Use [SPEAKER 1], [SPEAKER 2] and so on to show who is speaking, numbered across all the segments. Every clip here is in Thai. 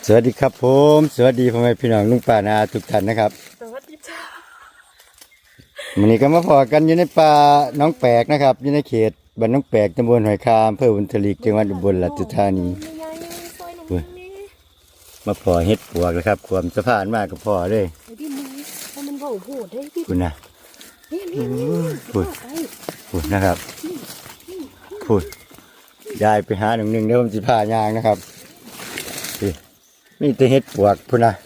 [SPEAKER 1] สวัสดีครับผมสวัสดีพ่อแม่พี่น้องลุงป้านาทุกท่านนะครับ
[SPEAKER 2] สวัสดีจ้า
[SPEAKER 1] วันนี้ก็มาพอกันอยู่ในป่าน้องแปลกนะครับอยู่ในเขตบ้านน้องแปลกตำบลหอยคามอำเภอบุญทลีจังหวัดอุบลราชธานีมาพอเฮ็ดปวกแล้วครับความสะพานมากกับพอเลย
[SPEAKER 2] พี่มึงถ้ามันเบาโหดได้พี่
[SPEAKER 1] คุณนะพูดนะครับพูดยายไปหาหนึ่งเดี๋ยวผมจะพายางนะครับนี่จะเฮ็ดปวกพูดนะ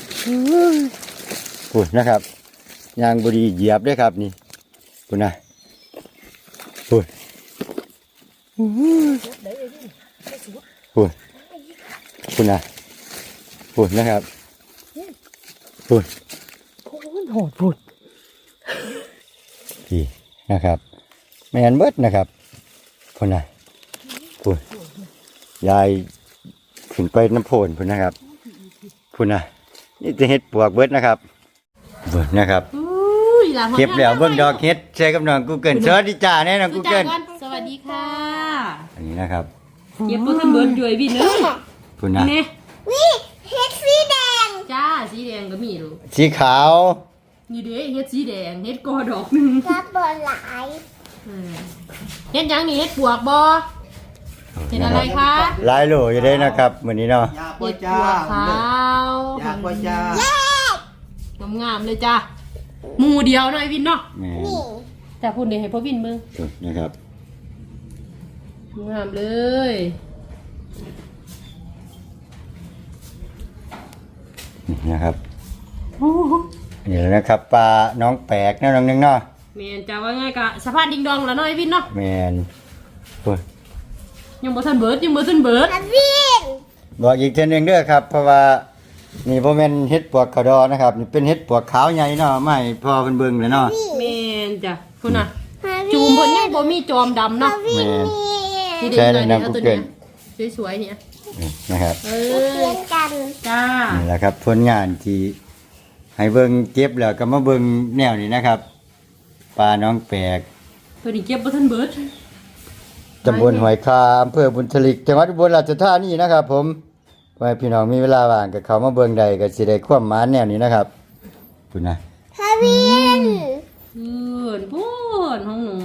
[SPEAKER 1] พูดนะครับยางบดีเหยียบด้วยครับนี่พูดนะพูดพูดพูดนะพูดนะครับพูด
[SPEAKER 2] โหดพูด
[SPEAKER 1] พี่นะครับแมนเบิดนะครับพูดนะพูดยายขึ้นไปน้ำโพนพูดนะครับพูดนะนี่จะเฮ็ดปวกเบิดนะครับเบิดนะครับเก็บแล้วเบิ่งดอกเฮ็ดใช้กับน้องกูเกิลสวัสดีจ้าแน่น้องกูเกิล
[SPEAKER 2] สวัสดีค่ะ
[SPEAKER 1] อันนี้นะครับ
[SPEAKER 2] เก็บตัวท่านเบิร์ดจ่วยพี่เนอะ
[SPEAKER 1] พูดนะ
[SPEAKER 3] วิเฮ็ดสีแดง
[SPEAKER 2] จ้าสีแดงก็มีลูก
[SPEAKER 1] สีขาว
[SPEAKER 2] นี่เด้เฮ็ดสีแดงเฮ็ดกอดอกหนึ่ง
[SPEAKER 3] กับบอลหลาย
[SPEAKER 2] เฮ็ดยังนี่เฮ็ดปวกบ่เฮ็ดอะไรคะ
[SPEAKER 1] ลายโหลอยู่ได้นะครับมื้อนี้เนาะ
[SPEAKER 2] เฮ็ดปวกขาว
[SPEAKER 4] อยากว่าจ้าง
[SPEAKER 2] ามเลยจ้าหมู่เดียวหน่อยวินเนาะ
[SPEAKER 1] นี่
[SPEAKER 2] แต่พูดเดี๋ยวให้พ่อวินมึง
[SPEAKER 1] นะครับ
[SPEAKER 2] งามเลย
[SPEAKER 1] นะครับนี่แหละนะครับปลาน้องแปลกนะน้องนึงเนาะ
[SPEAKER 2] แมนจะว่าไงกะสะพานดิงดองแล้วน้อยวินเนาะ
[SPEAKER 1] แมนพูด
[SPEAKER 2] ยังบ่ทันเบิร์ด
[SPEAKER 3] วิน
[SPEAKER 1] บอกอีกเช่นหนึ่งเด้อครับเพราะว่านี่พ่อแม่นเฮ็ดปวกขาวดอนะครับนี่เป็นเฮ็ดปวกขาวใหญ่เนาะไม่พอเป็นเบิ่งเลยเนาะ
[SPEAKER 2] แมนจ้ะคุณน่ะจูมเพิ่นยังบ่มีจอมดำเนาะ
[SPEAKER 1] แมน
[SPEAKER 2] ใช่เลยนะกูเกิลสวยๆเนี่ย
[SPEAKER 1] นะครับ
[SPEAKER 3] เพื่อนกัน
[SPEAKER 2] จ้า
[SPEAKER 1] นี่แหละครับผลงานที่ให้เบิ่งเก็บแล้วก็มาเบิ่งแนวนี้นะครับปลาน้องแปลก
[SPEAKER 2] ตัวนี้เก็บบ่ทันเบิร์ด
[SPEAKER 1] ตำบลหอยคาอำเภอบุญทลิกจังหวัดอุบลราชธานีนะครับผมไว้พี่น้องมีเวลาว่างก็เข้ามาเบิ่งใดก็สิได้ความหมายแนวนี้นะครับพูดนะ
[SPEAKER 3] วิน
[SPEAKER 2] พูดห้องหนู